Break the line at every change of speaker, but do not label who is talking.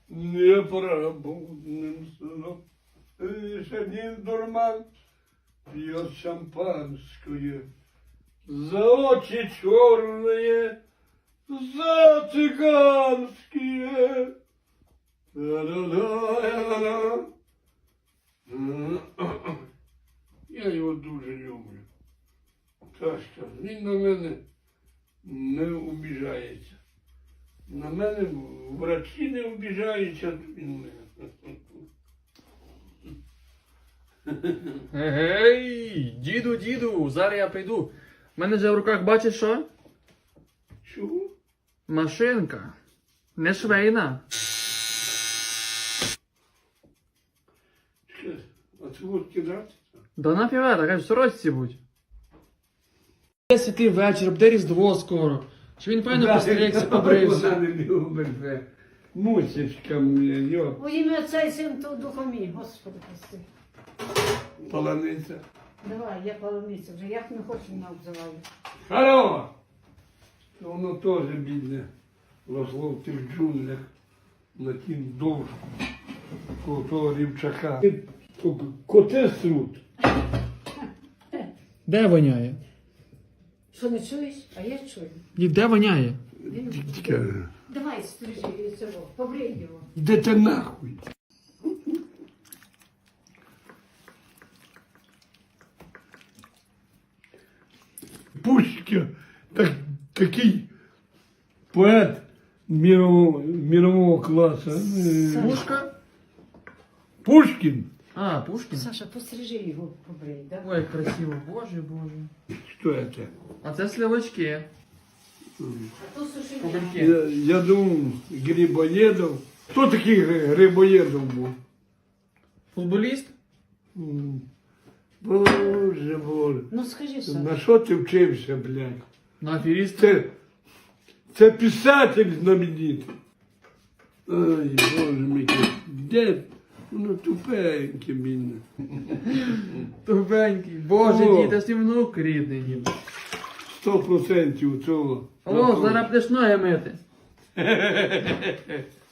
непробудным сном. Лишь один дурман пьет шампанское. За очи черные, за цыганские. Та-да-да-да-да. Я його дуже люблю. Так що він на мене не обіжається. На мене врачі не обіжаються, він мене.
Гей, діду, зараз я прийду. У мене вже в руках бачиш що?
Чого?
Машинка. Не швейна.
Чекай, а це от кидати?
Да нафіга, така в сорочці будь. Буде святий вечір, буде Різдво скоро. Чи він певно постригся, побрився.
Вона не любить вже. Мусічка мені, йо,
У ім'я Отця і Сина та Духа мій, Господи прости.
полониця.
Давай, я полониця вже, як не хочу, не обзиваю.
Харо! Воно теж бідне. Росло в тих джунглях на тім довжку. Коло того рівчака. Коти срут.
Де воняє?
Що не чуєш? А я чую.
Дід, де воняє?
Давай, стрижи цього, побрий його.
Де ти нахуй? Пушкін, такий поет мирового класу.
Пушка?
Пушкін.
А, Пушкін?
Саша, пострижи його, побрий, да?
Ой, як красиво, боже.
Що це?
А це сливочки.
А то суши.
Кубельки.
Я думав, Грибоєдов. Хто такий Грибоєдов був?
Футболіст?
Боже.
Ну скажи, Саша.
На що ти вчився, блядь?
На аферіст?
Це писатель знаменитий. Ай, боже мій, де? Ну тупенький він.
Тупенький. Боже,
О.
дід, а з ним внук рідний, дід.
100% цього.
О, зараз будеш ноги мити.